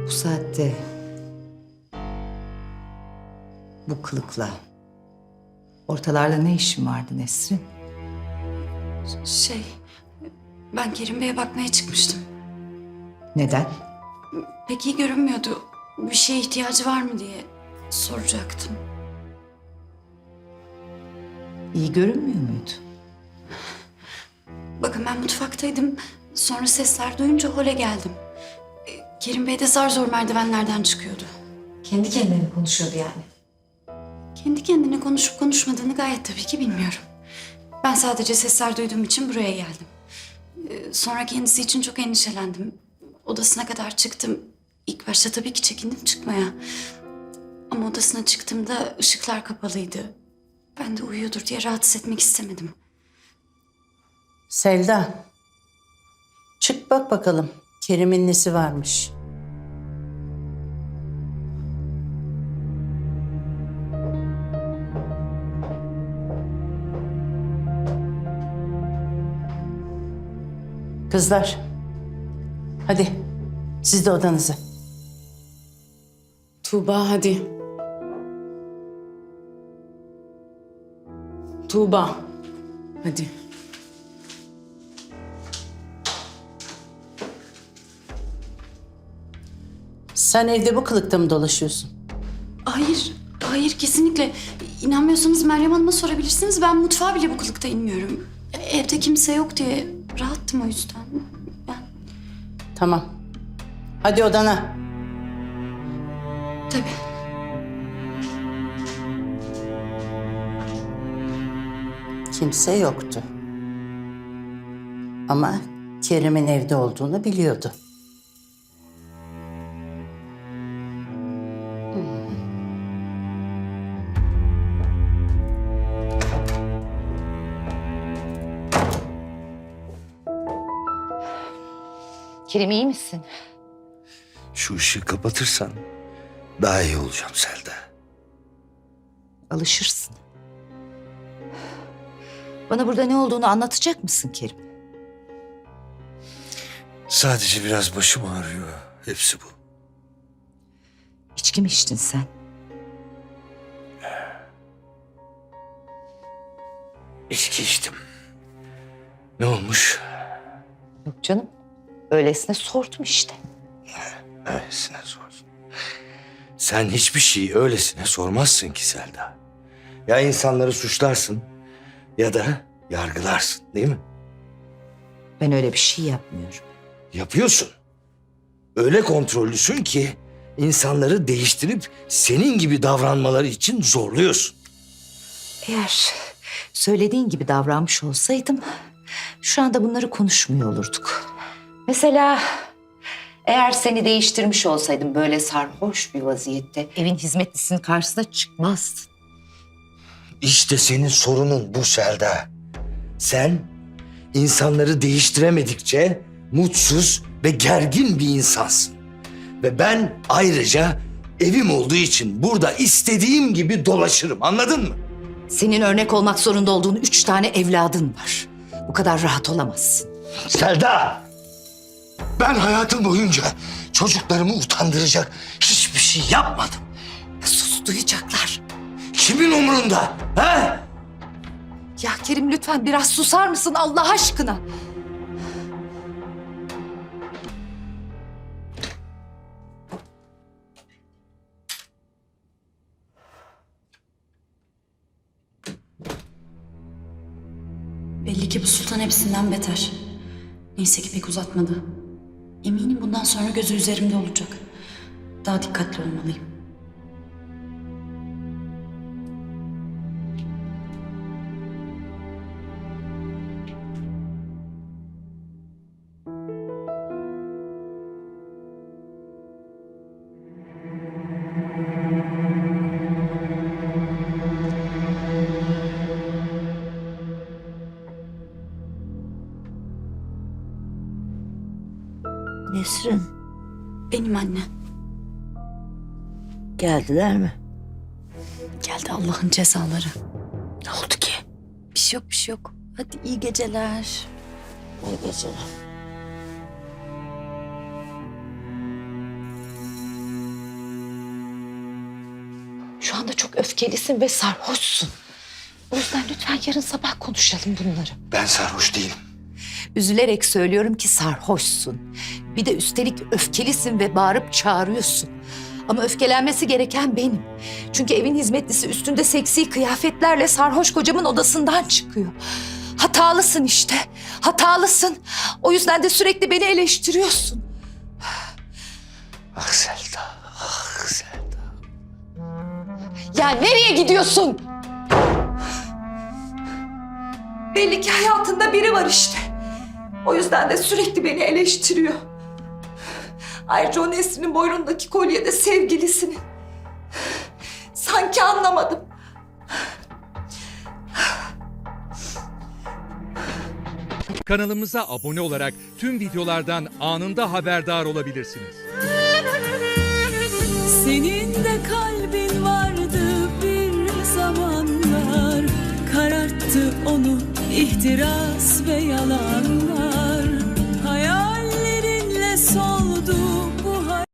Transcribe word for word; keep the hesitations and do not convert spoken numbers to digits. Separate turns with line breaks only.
Bu saatte bu kılıkla ortalarda ne işin vardı Nesrin?
Şey, ben Kerim Bey'e bakmaya çıkmıştım.
Neden?
Pek iyi görünmüyordu. Bir şeye ihtiyacı var mı diye soracaktım.
İyi görünmüyor muydu?
Bakın ben mutfaktaydım. Sonra sesler duyunca hole geldim. E, Kerim Bey de zar zor merdivenlerden çıkıyordu.
Kendi kendine mi konuşuyordu yani?
Kendi kendine konuşup konuşmadığını gayet tabii ki bilmiyorum. Ben sadece sesler duyduğum için buraya geldim. E, Sonra kendisi için çok endişelendim. Odasına kadar çıktım. İlk başta tabii ki çekindim çıkmaya. Ama odasına çıktığımda ışıklar kapalıydı. Ben de uyuyordur diye rahatsız etmek istemedim.
Selda, çık bak bakalım Kerim'in nesi varmış. Kızlar, hadi siz de odanıza.
Tuğba hadi. Tuğba. Hadi.
Sen evde bu kılıkta mı dolaşıyorsun?
Hayır, hayır kesinlikle. İnanmıyorsanız Meryem Hanım'a sorabilirsiniz. Ben mutfağa bile bu kılıkta inmiyorum. Evde kimse yok diye rahattım o yüzden. Ben
Tamam. Hadi odana.
tabii.
Kimse yoktu. Ama Kerim'in evde olduğunu biliyordu.
Kerim iyi misin?
Şu ışığı kapatırsan daha iyi olacağım Selda.
Alışırsın. Bana burada ne olduğunu anlatacak mısın Kerim?
Sadece biraz başım ağrıyor. Hepsi bu.
İçki mi içtin sen?
İçki içtim. Ne olmuş?
Yok canım. Öylesine sordum işte.
Öylesine sor. Sen hiçbir şeyi öylesine sormazsın ki Selda. Ya insanları suçlarsın ya da yargılarsın, değil mi?
Ben öyle bir şey yapmıyorum.
Yapıyorsun. Öyle kontrollüsün ki insanları değiştirip senin gibi davranmaları için zorluyorsun.
Eğer söylediğin gibi davranmış olsaydım şu anda bunları konuşmuyor olurduk. Mesela eğer seni değiştirmiş olsaydım böyle sarhoş bir vaziyette evin hizmetlisinin karşısına çıkmazdın.
İşte senin sorunun bu Selda. Sen insanları değiştiremedikçe mutsuz ve gergin bir insansın. Ve ben ayrıca evim olduğu için burada istediğim gibi dolaşırım, anladın mı?
Senin örnek olmak zorunda olduğun üç tane evladın var. Bu kadar rahat olamazsın.
Selda! Ben hayatım boyunca çocuklarımı utandıracak hiçbir şey yapmadım.
Sus, duyacaklar.
Kimin umrunda? Ha?
Ya Kerim lütfen biraz susar mısın Allah aşkına?
Belli ki bu sultan hepsinden beter. Neyse ki pek uzatmadı. Eminim bundan sonra gözü üzerimde olacak. Daha dikkatli olmalıyım.
Nesrin,
Benim anne.
geldiler mi?
Geldi Allah'ın cezaları.
Ne oldu ki?
Bir şey yok, bir şey yok. Hadi iyi geceler.
İyi geceler.
öfkelisin ve sarhoşsun. O yüzden lütfen yarın sabah konuşalım bunları.
Ben sarhoş değilim.
Üzülerek söylüyorum ki sarhoşsun. Bir de üstelik öfkelisin ve bağırıp çağırıyorsun. Ama öfkelenmesi gereken benim. Çünkü evin hizmetlisi üstünde seksi kıyafetlerle sarhoş kocamın odasından çıkıyor. Hatalısın işte. Hatalısın. O yüzden de sürekli beni eleştiriyorsun.
Ah Selda, ah Selda.
Ya nereye gidiyorsun? Belli ki hayatında biri var işte. O yüzden de sürekli beni eleştiriyor. Ayrıca o Nesrin'in boynundaki kolye de sevgilisinin. Sanki anlamadım.
Kanalımıza abone olarak tüm videolardan anında haberdar olabilirsiniz.
Senin de kalbin vardı bir zamanlar, kararttı onu ihtiras ve yalanlar.